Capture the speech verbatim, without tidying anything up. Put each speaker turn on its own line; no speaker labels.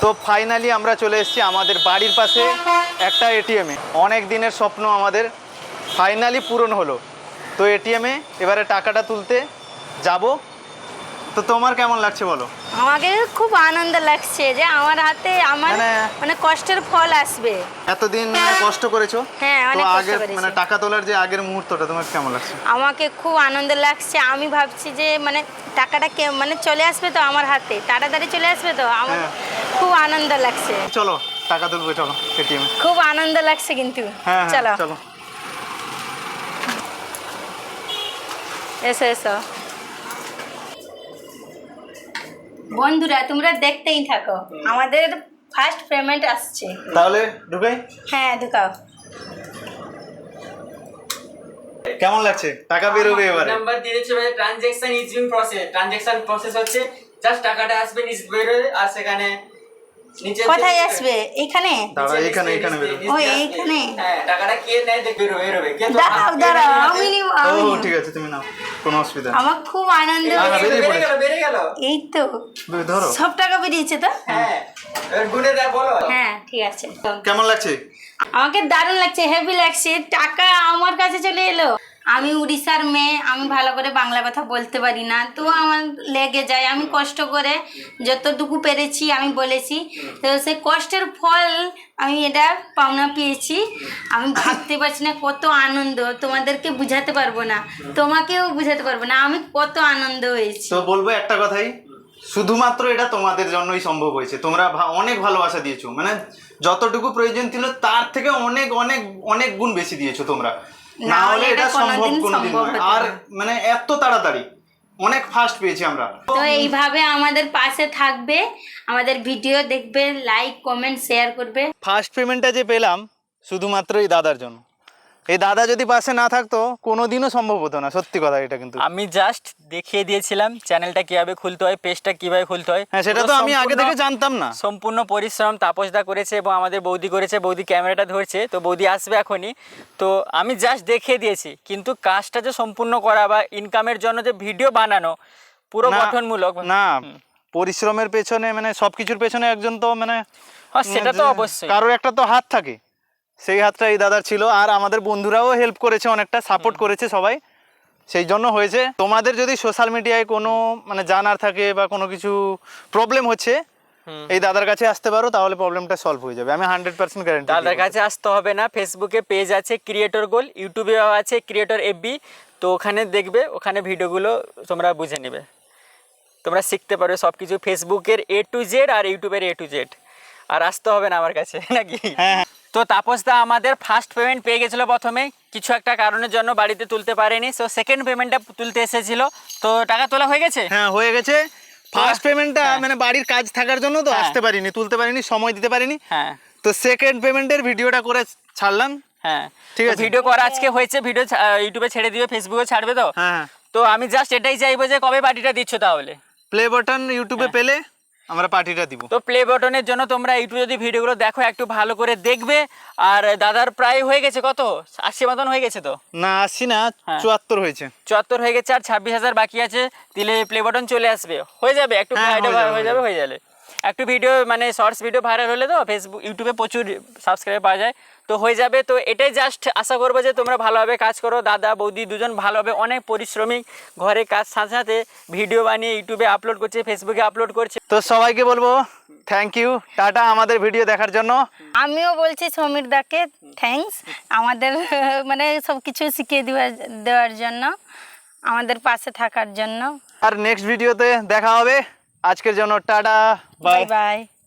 তো ফাইনালি আমরা চলে এসেছি আমাদের বাড়ির পাশে একটা এটিএমে। অনেক দিনের স্বপ্ন আমাদের ফাইনালি পূরণ হলো। তো এটিএমে এবারে টাকাটা তুলতে যাব। তো তোমার কেমন লাগছে বলো?
আমাকে খুব আনন্দ লাগছে যে আমার হাতে আমার মানে কষ্টের ফল আসবে।
এতদিন কষ্ট করেছো।
হ্যাঁ, অনেক কষ্ট করেছি।
মানে টাকা তোলার যে আগের মুহূর্তটা তোমার কেমন লাগছে?
আমাকে খুব আনন্দ লাগছে। আমি ভাবছি যে মানে টাকাটা কে মানে চলে আসবে তো আমার হাতে, তাড়াতাড়ি চলে আসবে তো আমার খুব আনন্দ লাগছে।
চলো টাকা তুলবো, চলো এটিএমে।
খুব আনন্দ লাগছে কিন্তু।
হ্যাঁ
চলো
চলো
এসো এসো বন্ধুরা, তোমরা দেখতেই থাকো, আমাদের ফার্স্ট পেমেন্ট আসছে।
তাহলে ঢুকাই?
হ্যাঁ ঢুকাও।
কেমন লাগছে? টাকা বেরোবে এবারে।
নাম্বার দিয়ে দিচ্ছে ভাই, transaction is in process. Transaction process হচ্ছে জাস্ট টাকাটা আসবে, নিচ বেরোবে, আর সেখানে নিচে
কোথায় আসবে? এখানে
দাঁড়া, এখানে এখানে বেরোবে।
ও এইখানে।
হ্যাঁ, টাকাটা কে নেয় দেখ বেরোবে বেরোবে। কিন্তু
দাঁড়াও দাঁড়াও, আমি নিব
ও
আমি নিব।
ঠিক আছে, তুমি নাও, কোনো অসুবিধা নেই।
আমার খুব আনন্দ
বেরিয়ে গেল বেরিয়ে গেল।
এই তো
ধরো।
সব টাকা বেরিয়েছে তো।
হ্যাঁ, এবার গুনে দেয় বলো।
হ্যাঁ ঠিক আছে।
কেমন লাগছে?
আমাকে দারুণ লাগছে, হেভি লাগছে। টাকা আমার কাছে চলে এলো। আমি উড়িষ্যার মেয়ে, আমি ভালো করে বাংলা কথা বলতে পারি না, তো আমার লেগে যায়। আমি কষ্ট করে যতটুকু পেরেছি আমি বলেছি, তো সেই কষ্টের ফল আমি এটা পাওনা পেয়েছি। আমি ভাবতে পারছি না কত আনন্দ, তোমাদেরকে বুঝাতে পারবো না, তোমাকেও বুঝাতে পারবো না আমি কত আনন্দ হয়েছি।
তো বলবো একটা কথাই, শুধুমাত্র এটা তোমাদের জন্যই সম্ভব হয়েছে। তোমরা অনেক ভালোবাসা দিয়েছো, মানে যতটুকু প্রয়োজন ছিল তার থেকে অনেক অনেক অনেক গুণ বেশি দিয়েছো তোমরা। না হলে এটা সম্ভব কোনোদিন নয়। আর মানে এত তাড়াতাড়ি অনেক ফাস্ট পেয়েছি আমরা।
তো এইভাবে আমাদের পাশে থাকবে, আমাদের ভিডিও দেখবে, লাইক কমেন্ট শেয়ার করবে।
ফার্স্ট পেমেন্টটা যে পেলাম শুধুমাত্র এই দাদার জন্য। এই দাদা যদি পাশে না থাকতো কোনোদিনও সম্ভব হতো না, সত্যি কথা এটা। কিন্তু
আমি জাস্ট দেখিয়ে দিয়েছিলাম চ্যানেলটা কিভাবে খুলতে হয়, পেজটা কিভাবে খুলতে হয়।
হ্যাঁ, সেটা তো আমি আগে থেকে জানতাম না।
সম্পূর্ণ পরিশ্রম তাপসদা করেছে এবং আমাদের বৌদি করেছে। বৌদি ক্যামেরাটা ধরছে, তো বৌদি আসবে এখনই। তো আমি জাস্ট দেখিয়ে দিয়েছি, কিন্তু কাজটা যে সম্পূর্ণ করা বা ইনকামের জন্য যে ভিডিও বানানো পুরো গঠনমূলক
না, পরিশ্রমের পেছনে মানে সবকিছুর পেছনে একজন তো মানে
সেটা তো অবশ্যই
কারোর একটা তো হাত থাকে। সেই হাতটা এই দাদার ছিল। আর আমাদের বন্ধুরাও হেল্প করেছে, অনেকটা সাপোর্ট করেছে সবাই, সেই জন্য হয়েছে। তোমাদের যদি সোশ্যাল মিডিয়ায় কোনো মানে জানার থাকে বা কোনো কিছু প্রবলেম হচ্ছে, এই দাদার কাছে আসতে পারো, তাহলে প্রবলেমটা সলভ হয়ে যাবে। আমি হান্ড্রেড পার্সেন্ট গ্যারান্টি।
দাদার কাছে আসতে হবে না, ফেসবুকে পেজ আছে ক্রিয়েটর গোল, ইউটিউবে আছে ক্রিয়েটর এফবি। তো ওখানে দেখবে, ওখানে ভিডিওগুলো তোমরা বুঝে নেবে, তোমরা শিখতে পারবে সব কিছু, ফেসবুকের এ টু জেড আর ইউটিউবের এ টু জেড। আর আসতে হবে না আমার কাছে, নাকি?
হ্যাঁ।
তো তাপসদা আমাদের ফার্স্ট পেমেন্ট পেয়ে গেছিলো প্রথমে, কিছু একটা কারণের জন্য বাড়িতে তুলতে পারেনি। সো সেকেন্ড পেমেন্টটা তুলতে এসেছিল। তো টাকা তোলা হয়ে গেছে?
হ্যাঁ হয়ে গেছে। ফার্স্ট পেমেন্টটা মানে বাড়ির কাজ থাকার জন্য তো আসতে পারিনি, তুলতে পারিনি, সময় দিতে পারিনি।
হ্যাঁ।
তো সেকেন্ড পেমেন্টের ভিডিওটা করে ছাড়লাম।
হ্যাঁ
ঠিক আছে,
ভিডিও করা আজকে হয়েছে, ভিডিও ইউটিউবে ছেড়ে দিবে, ফেসবুকে ছাড়বে। তো
হ্যাঁ,
তো আমি জাস্ট এটাই চাইবো যে কবে পার্টিটা দিচ্ছ তাহলে?
প্লে বাটন ইউটিউবে পেলে আমরা পার্টিটা দিব।
তো প্লে বাটনের জন্য তোমরা ইউটিউবে যদি ভিডিওগুলো দেখো একটু ভালো করে দেখবে। আর দাদার প্রায় হয়ে গেছে কত, আশি মতন হয়ে গেছে তো?
না আশি না, চুয়াত্তর হয়েছে।
চুয়াত্তর হয়ে গেছে, আর ছাব্বিশ হাজার বাকি আছে। দিলে প্লে বাটন চলে আসবে, হয়ে যাবে একটু হয়ে যাবে হয়ে যাবে একটু ভিডিও মানে শর্টস ভিডিও ভাইরাল হলে তো ফেসবুক ইউটিউবে প্রচুর সাবস্ক্রাইবার পাওয়া যায়, তো হয়ে যাবে। তো এটাই জাস্ট আশা করবো যে তোমরা ভালোভাবে কাজ করো। দাদা বৌদি দুজন ভালোভাবে অনেক পরিশ্রমিক, ঘরে কাজ সাথে সাথে ভিডিও বানিয়ে ইউটিউবে আপলোড করছে, ফেসবুকে আপলোড করছে।
তো সবাইকে বলবো থ্যাংক ইউ, টাটা আমাদের ভিডিও দেখার জন্য।
আমিও বলছি সমীর দাকে থ্যাঙ্কস, আমাদের মানে সব কিছু শিখিয়ে দেওয়ার দেওয়ার জন্য, আমাদের পাশে থাকার জন্য।
আর নেক্সট ভিডিওতে দেখা হবে। আজকের জন্য টাটা,
বাই বাই।